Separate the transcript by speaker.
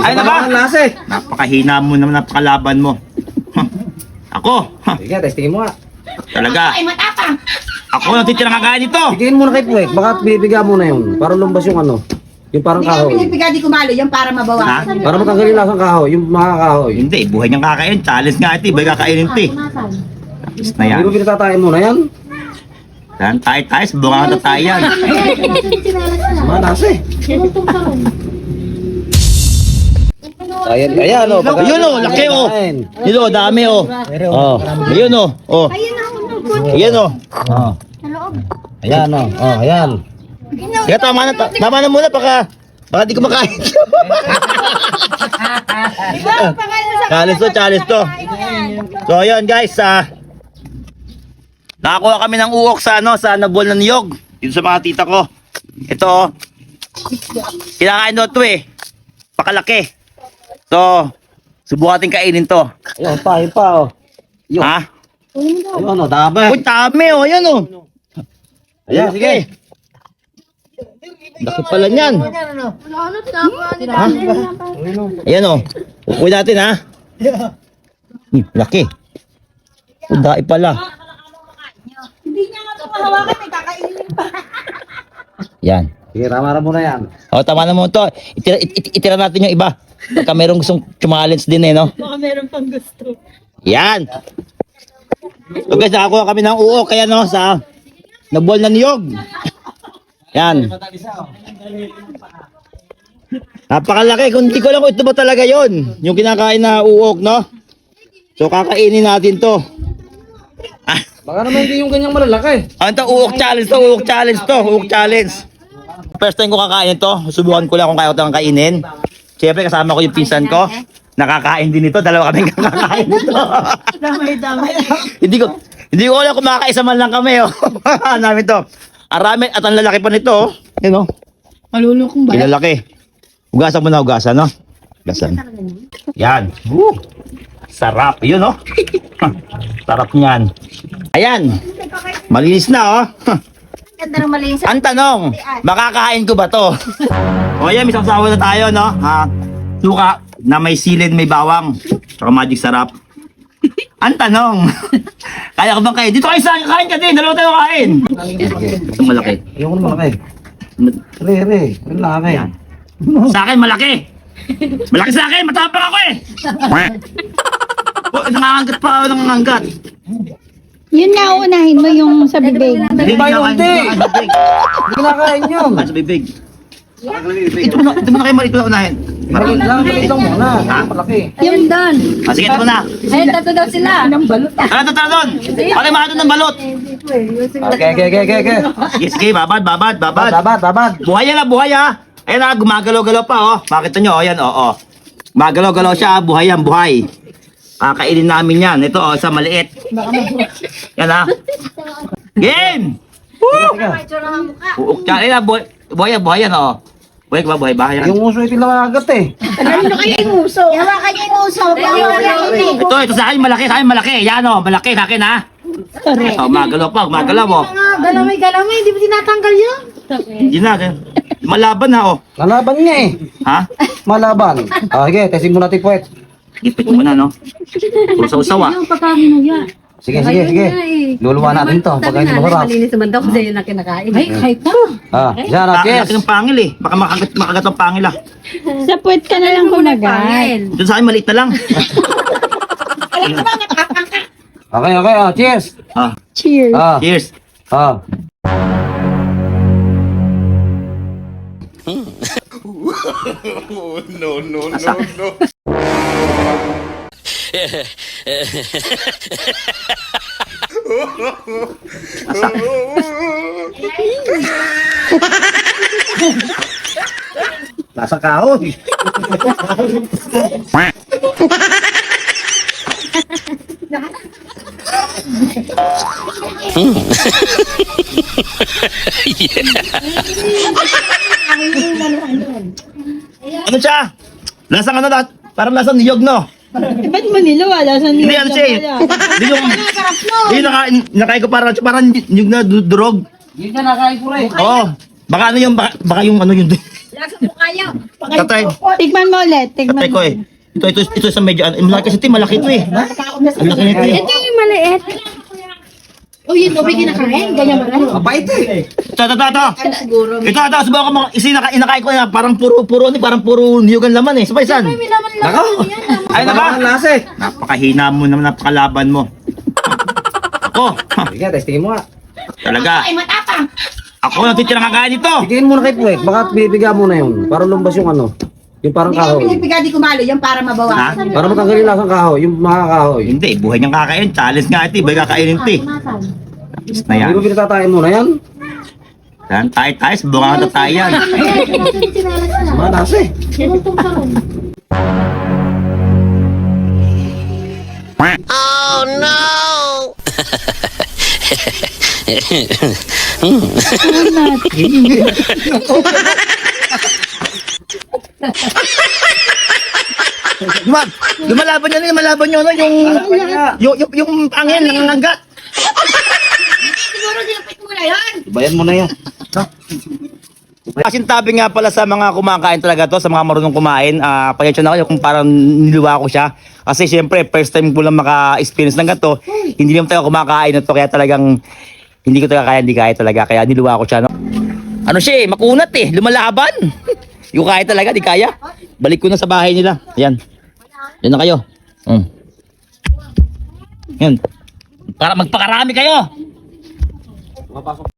Speaker 1: Ay na ba? Napakahina mo naman, napakalaban mo. Ako.
Speaker 2: Sige, testingin mo nga.
Speaker 1: Talaga.
Speaker 3: Ay, matapang.
Speaker 1: Ako nang titira kakain ito.
Speaker 2: Tigilin mo na kay Puwek. Baka bibigyan mo na yun. Para lumbas yung ano. Yung parang
Speaker 3: Hindi ka
Speaker 2: kahoy.
Speaker 3: pinipigay di kumalo yung para mabawasan.
Speaker 2: Para matanggalin lang ang kahoy. Yung mga kahoy.
Speaker 1: Hindi, buhay niyang kakain. Challenge nga ito. Iba'y kakainin ito eh. Tapos na yan.
Speaker 2: Hindi mo pinatatayin mo na yan.
Speaker 1: Yan, tayo. Subukan ka tayo yan.
Speaker 2: Manas eh. Ayan, ayan o.
Speaker 1: Ayun o, laki o. Yun o, dami o. Oh, ayun o. Oh. Ayan o.
Speaker 2: Oh. Ayan o. Oh, ayan.
Speaker 1: Sige, tama na muna. Baka di ko makain. Challenge to. So, ayun guys. Nakakuha kami ng uok sa nabol ng niyog. Dito sa mga tita ko. Ito o. Kinakain doon ito eh. Pakalaki. So, subukan natin kainin to.
Speaker 2: Ayun pa o. Yun.
Speaker 1: Ha?
Speaker 2: Ayun o, dami.
Speaker 1: Uy, dami o. Ayan o.
Speaker 2: Ayan, sige.
Speaker 1: Laki pala niyan. Ha? Ayan o. Uy natin ha. Laki. Udai pala.
Speaker 3: Hindi niya nga ito mahawakan, may kakainin pa.
Speaker 1: Yan.
Speaker 2: Sige, ramara mo na yan.
Speaker 1: O, tama na mo to. Itira natin yung iba. Baka merong gustong challenge din eh, no?
Speaker 3: Baka meron pang gusto.
Speaker 1: Yan. So guys, nakakuha kami ng uok. Kaya no, sa nabol na niyog. Yan. Napakalaki. Kung hindi ko lang kung ito ba talaga yon, yung kinakain na uok, no? So kakainin natin to. Ah,
Speaker 2: Baka naman hindi yung ganyang malalaki.
Speaker 1: ano to? Uok challenge to. Uok challenge to. Uok challenge. First time ko kakain to. Subukan ko lang kung kaya ko itong kainin. Siyempre kasama ko yung pinsan ko. Nakakain din ito. Dalawa kami kakakain nito.
Speaker 3: Damay-damay.
Speaker 1: Hindi ko alam kung makakaisa man lang kami. Oh. Namin to. Arami at ang lalaki pa nito. Oh. Yan oh.
Speaker 3: Malulukong ba?
Speaker 1: Ilalaki. Ugasan mo na ugasan, no? Ugasan. Yan. Sarap. Yun, oh. Sarap niyan. Ayan. Malinis na, oh.
Speaker 3: Ganda ng malinis.
Speaker 1: Ang tanong, makakain ko ba to? O yan, may sasawa na tayo, no? Suka na may silid, may bawang. Saka magic sarap. Ang tanong, kaya ko bang kain? Dito kayo sa kain ka din, dalawa tayo kain. Ito malaki.
Speaker 2: Ayoko na malaki. Re. Malaki.
Speaker 1: Sa akin, malaki. Malaki sa akin, matapang ako eh. Oh, nangangagat pa ako, nangangagat.
Speaker 4: Yun na, unahin mo yung sa bibig.
Speaker 1: Hindi
Speaker 2: ba yun,
Speaker 1: kinakain,
Speaker 2: hindi?
Speaker 1: hindi sa bibig.
Speaker 2: Hindi kinakain yun.
Speaker 1: Sa bibig. Ito mo na kayo, ito na unahin.
Speaker 2: Maliit lang muna. Malaki.
Speaker 4: Yung doon.
Speaker 1: Sige, ito mo na.
Speaker 4: Ay, tatlo daw sila. Ng balot.
Speaker 1: Ano tara doon? Pati mga doon ng balot.
Speaker 2: Okay.
Speaker 1: Sige, babad.
Speaker 2: Babad.
Speaker 1: Buhay yan, buhay ha. Ayan na, gumagalaw-galaw pa oh. Makita nyo, ayan oh. Gumagalaw-galaw siya, buhay yan, buhay. Kakainin namin yan. Ito oh, sa maliit. Yan ha. Game! Woo! Uuk siya. Ayan na, buhay yan oh. Buhay ka ba, buhay ba? Yan.
Speaker 2: Yung uso ito lang agad eh.
Speaker 3: Ano kayo yung uso? Yawa kayo yung uso.
Speaker 1: Ito sa akin, malaki. Yan oh, malaki sa akin ha. Oh, magalaw pa, oh.
Speaker 3: Galamay, hindi mo tinatanggal yun?
Speaker 1: Hindi na. Malaban na oh.
Speaker 2: Lalaban niya eh.
Speaker 1: Ha?
Speaker 2: Malaban. Sige, testing mo natin Puwet.
Speaker 1: Ipit mo na no. Puro sa usaw ah.
Speaker 4: Yung pagkahinuya.
Speaker 2: Sige. Luluwa natin to. Pagka hindi masarap.
Speaker 3: Malinis naman daw kasi yun ang kinakain.
Speaker 4: Ay, kahit pa.
Speaker 2: Yan na,
Speaker 1: Laki
Speaker 2: cheers.
Speaker 1: ng pangil eh. Baka makagat ang pangil ah.
Speaker 4: Sa puwet ka na lang kumagat.
Speaker 1: Doon sa akin, maliit na lang.
Speaker 2: Okay, cheers.
Speaker 1: Ah,
Speaker 4: Cheers.
Speaker 1: cheers.
Speaker 2: Nasa kahoy.
Speaker 1: Ano siya? Lasang ano lahat? Parang lasang niyog, no?
Speaker 4: Ba't Manila wala sa
Speaker 1: Hindi, ano siya eh. Hindi yung... Hindi nakain ko parang niyog na durog.
Speaker 2: Hindi ka nakain ko rin.
Speaker 1: Oo. Baka ano yung... Baka yung ano yun.
Speaker 3: Lasa mo kayo.
Speaker 1: Tatay.
Speaker 4: Tikman mo ulit. Tikman
Speaker 1: Tatay ko
Speaker 4: mo.
Speaker 1: eh. Ito sa medyo, malaki kasi ito, malaki ito eh. Ang laki nito eh.
Speaker 3: Ito yung maliit. Oh, yun, tubig kinakain. Ganyan ba rin?
Speaker 2: Mabait eh.
Speaker 1: Ito.
Speaker 3: Siguro.
Speaker 1: Ito, subukan ko mga inakain ko na parang parang puro niyugan laman eh. Sabay san?
Speaker 3: May laman lang.
Speaker 2: Nako.
Speaker 1: Ay na ba?
Speaker 2: Ang lasa eh.
Speaker 1: Napakahina mo naman, napakalaban mo. Ako,
Speaker 2: Sige, testingin mo nga.
Speaker 1: talaga.
Speaker 3: Ay, matapang.
Speaker 1: Ako natitirang kakain ito.
Speaker 2: Tingin mo na kay Puwek, baka bibigyan mo na yun. Para lumbas yung ano. Yung parang
Speaker 3: Hindi ko
Speaker 2: kahoy.
Speaker 3: pinipiga, di kumalo. Yan para mabawasan.
Speaker 2: Para matanggalin lang ang kahoy, yung mga kahoy.
Speaker 1: Hindi, buhay niyang kakain. Challenge nga ito, iba'y kakainin ito eh. Tapos na yan.
Speaker 2: Hindi mo pinatatayin mo na yan.
Speaker 1: Yan, tayo, subukan ko tayo yan.
Speaker 2: Malas eh.
Speaker 1: Lumalaban niya na, lumalaban niyo no, yung angin, nangangagat.
Speaker 3: Siguro dinapit mo na yan.
Speaker 2: Bayan mo na yan.
Speaker 1: Kasintabi nga pala sa mga kumakain talaga to, sa mga marunong kumain. Pasensya na kayo kung parang niluwa ko siya. Kasi syempre, first time ko lang maka-experience ng ganito. Hindi naman tayo kumakain na to, kaya talagang hindi ko talaga kaya, hindi kaya talaga. Kaya niluwa ko siya. No? Ano siya eh, makunat eh, lumalaban. Yung kaya talaga, di kaya. Balik ko na sa bahay nila. Ayan. Yan na kayo. Yan. Para magpakarami kayo.